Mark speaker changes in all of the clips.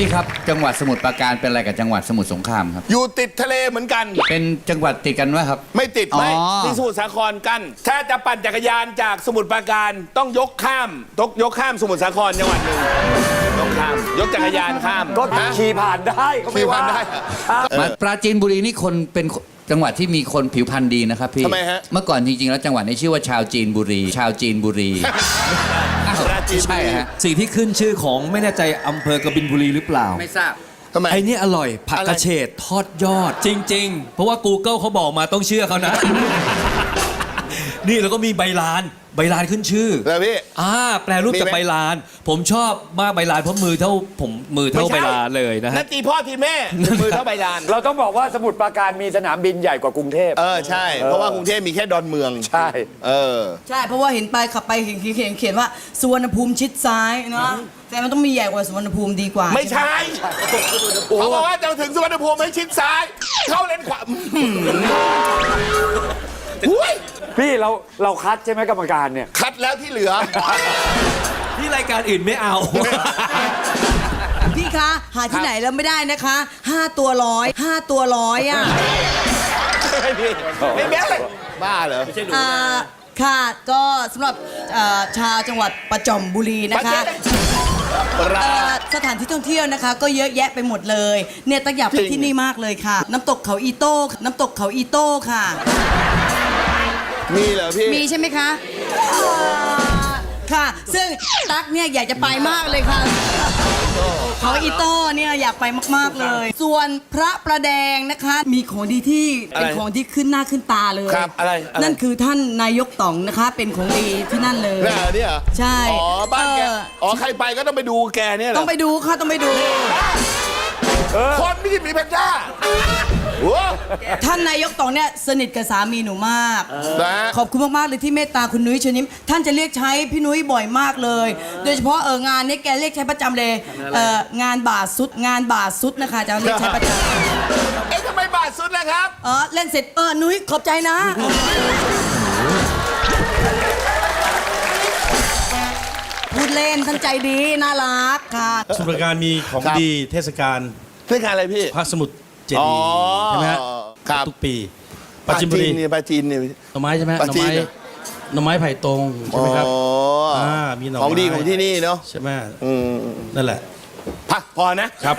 Speaker 1: พี่ครับจังหวัดสมุทรปราการเป็นอะไรกับจังหวัดสมุทรสงครามครับ
Speaker 2: อยู่ติดทะเลเหมือนกัน
Speaker 1: เป็นจังหวัดติดกันไหมครับ
Speaker 2: ไม่ติดไม่
Speaker 1: อ๋อ
Speaker 2: ที่สมุทรสาครกัน ถ้าจะปั่นจักรยานจากสมุทรปราการต้องยกข้ามสมุทรสาครจังหวัดหนึ่งยกจักรยานข้าม
Speaker 3: ก็ขี่ผ่านได้ก็ไม่ว่า
Speaker 2: ขี่ผ่านได้
Speaker 1: มาปราจีนบุรีนี่คนเป็นจังหวัดที่มีคนผิวพรรณดีนะครับพี่
Speaker 2: ทำไมฮะ
Speaker 1: เมื่อก่อนจริงๆแล้วจังหวัดนี้ชื่อว่าชาวจีนบุรี ชาวจีนบุรีอ้าว
Speaker 2: ปราจีนบุรี
Speaker 1: ใช่ฮะ
Speaker 4: สิ่งที่ขึ้นชื่อของไม่แน่ใจอำเภอกบินบุรีหรือเปล่า
Speaker 1: ไม่ทราบ
Speaker 2: ทำไม
Speaker 4: ไอ้นี่อร่อยผักกระเฉดทอดยอดจริง ๆ เพราะว่า Google เขาบอกมาต้องเชื่อเขานะ นี่แล้วก็มีใบลานขึ้นชื่อ
Speaker 2: แล้วพี่
Speaker 4: แปลรูปจาก
Speaker 2: มีไหม
Speaker 4: ใบลาน ผมชอบมากใบลานเพราะมือเท่าใบลานเลยนะ
Speaker 2: นั่
Speaker 4: ฮะ
Speaker 2: นตีพ่อทีแม่มือเท่าใบลาน
Speaker 3: เราต้องบอกว่าสมุทรปราการมีสนามบินใหญ่กว่ากรุงเทพ
Speaker 2: ใช่ เพราะว่ากรุงเทพมีแค่ดอนเมือง
Speaker 3: ใช่
Speaker 5: ใช่ เพราะว่าเห็นไปขับไปเขียนว่าสุวรรณภูมิชิดซ้ายเนาะแต่มันต้องมีใหญ่กว่าสุวรรณภูมิดีกว่า
Speaker 2: ไม่ใช่เขาบอกว่าจะถึงสุวรรณภูมิให้ชิดซ้าย เข้าเลนขวาหุ้ย
Speaker 3: พี่เราคัดใช่ไหมกรรมการเนี่ย
Speaker 2: คัดแล้วที่เหลือ
Speaker 4: ที่รายการอื่นไม่เอา
Speaker 5: พี่คะ หาที่ไหนแล้วไม่ได้นะคะ5 ตัวร้อย5 ตัวร้อยอ่ะ
Speaker 2: ไม่แม้เลยบ้าเหรอ
Speaker 5: ค่ะก็สำหรับชาวจังหวัดประจอมบุรีนะคะสถานที่ท่องเที่ยวนะคะ ก็เยอะแยะไปหมดเลยเนี่ยตั้งอยากไปที่นี่มากเลยค่ะ น้ำตกเขาอีโต้ค่ะ
Speaker 2: มีเหรอพี่
Speaker 5: มีใช่ไหมคะค่ะ ซึ่งตั๊กเนี่ยอยากจะไปมากเลยค่ะเขาอีโต้เนี่ยอยากไปมากๆเลย ส่วนพระประแดงนะคะ มีของดีที่เป็นของที่ขึ้นหน้าขึ้นตาเลย
Speaker 2: ครับอะไร
Speaker 5: นั่นคือท่านนายกต่องนะคะ เป็นของดีที่นั่นเลย
Speaker 2: เนี่ยเหรอ
Speaker 5: ใช่
Speaker 2: อ๋อบ้านแกใครไปก็ต้องไปดูแกเนี่ยเหรอ
Speaker 5: ต้องไปดูค่ะต้องไปดู
Speaker 2: คนไม่ใช่หมีแพนด้าโอ้
Speaker 5: ท่านนายกต่องเนี่ยสนิทกับสามีหนูมาก
Speaker 2: นะ
Speaker 5: ขอบคุณมาก ๆ เลยที่เมตตาคุณนุ้ยเชิญยิ้มท่านจะเรียกใช้พี่นุ้ยบ่อยมากเลย โดยเฉพาะงานนี้แกเรียกใช้ประจำเลยงานบาทสุดนะคะจะเรียกใช้ประจำ
Speaker 2: เอ๊ะทำไมบาทสุดล่ะครับ
Speaker 5: เล่นเสร็จนุ้ยขอบใจนะพูดเล่นท่านใจดีน่ารักค่ะ
Speaker 6: สมุทรปราการมีของ
Speaker 2: ครับ
Speaker 6: ดีเทศกาล
Speaker 2: เพื่อการอะไรพี่
Speaker 6: พระสมุทรเจดีย์ใช่ไหมฮะ
Speaker 2: ครับ
Speaker 6: ทุกปีปราจีนบุรี
Speaker 2: ปราจีนเนี่ย
Speaker 6: หน่อไม้ใช่ไหม
Speaker 2: ปราจีน
Speaker 6: หน่อไม้ไผ่ตรงใช่ไหมครับ มีหน่อไม้
Speaker 2: ของดีของที่นี่เนาะ
Speaker 6: ใช่ไหม
Speaker 2: อืม
Speaker 6: นั่นแหละ
Speaker 2: พักพอนะครับ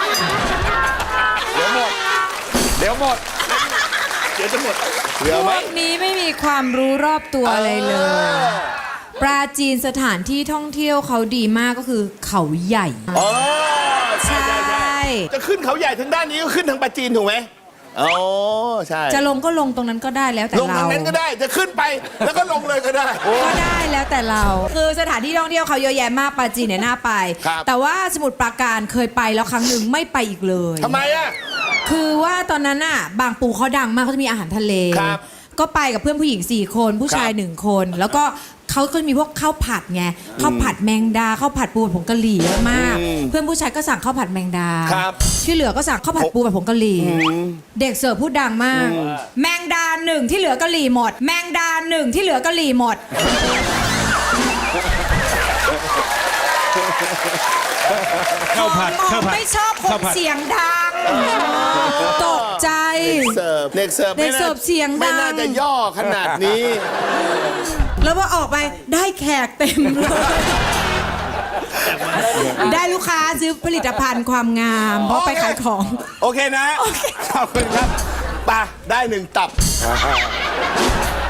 Speaker 2: เดี๋ยวหมด เดี๋ยวจะหมดเหลือ
Speaker 7: พ
Speaker 2: ไหม
Speaker 7: วกนี้ไม่มีความรู้รอบตัวอะไรเลย ปราจีนสถานที่ท่องเที่ยวเขาดีมากก็คือเขาใหญ่
Speaker 2: อ๋อ
Speaker 7: ใช่
Speaker 2: จะขึ้นเขาใหญ่ทางด้านนี้ก็ขึ้นทางปราจีนถูกไหมอ๋อใช่
Speaker 7: จะลงก็ลงตรงนั้นก็ได้แล้วแต่
Speaker 2: ลง
Speaker 7: เรา
Speaker 2: ทางนั้นก็ได้จะขึ้นไปแล้วก็ลงเลยก็ได้
Speaker 7: ก็ได้แล้วแต่เรา คือสถานที่ท่องเที่ยวเขาเยอะแยะมากปราจีนเนี่ยน่าไป
Speaker 2: ครับ
Speaker 7: แต่ว่าสมุทรปราการเคยไปแล้วครั้งหนึ่งไม่ไปอีกเลย
Speaker 2: ทำไมอ่ะ
Speaker 7: คือว่าตอนนั้นน่ะบางปูเขาดังมากเขาจะมีอาหารทะเล
Speaker 2: ครับ
Speaker 7: ก็ไปกับเพื่อนผู้หญิง4 คนผู้ชาย
Speaker 2: ครับ
Speaker 7: 1 คน แล้วก็เขาก็มีพวกข้าวผัดไงข้าวผัดแมงดาข้าวผัดปูผัดผงกะหรี่เยอะมาก เพื่อนผู้ชายก็สั่งข้าวผัดแมงดา
Speaker 2: ครับ
Speaker 7: ที่เหลือก็สั่งข้าวผัดปูผัดผงกะหรี่เด็กเสิร์ฟพูดดังมาก แมงดา1ที่เหลือกะหรี่หมด แมงดา1ที่เหลือกะหรี่หมด
Speaker 6: ข้าวผัด
Speaker 7: มอง
Speaker 6: ข้าวผัด
Speaker 7: ไม่ชอบคน
Speaker 6: ข้าวผัด
Speaker 7: เสียงดังตกใจ
Speaker 2: เด็กเสิร์ฟ
Speaker 7: เด็กเสิร์ฟเสียงดัง
Speaker 2: ไม่น่าจะย่อขนาดนี้
Speaker 7: แล้วพอออกไปได้แขกเต็มเลย ได้ลูกค้าซื้อผลิตภัณฑ์ความงาม เพราะไปขายของ
Speaker 2: โอเคนะ ขอบคุณครับไปได้1 ตับ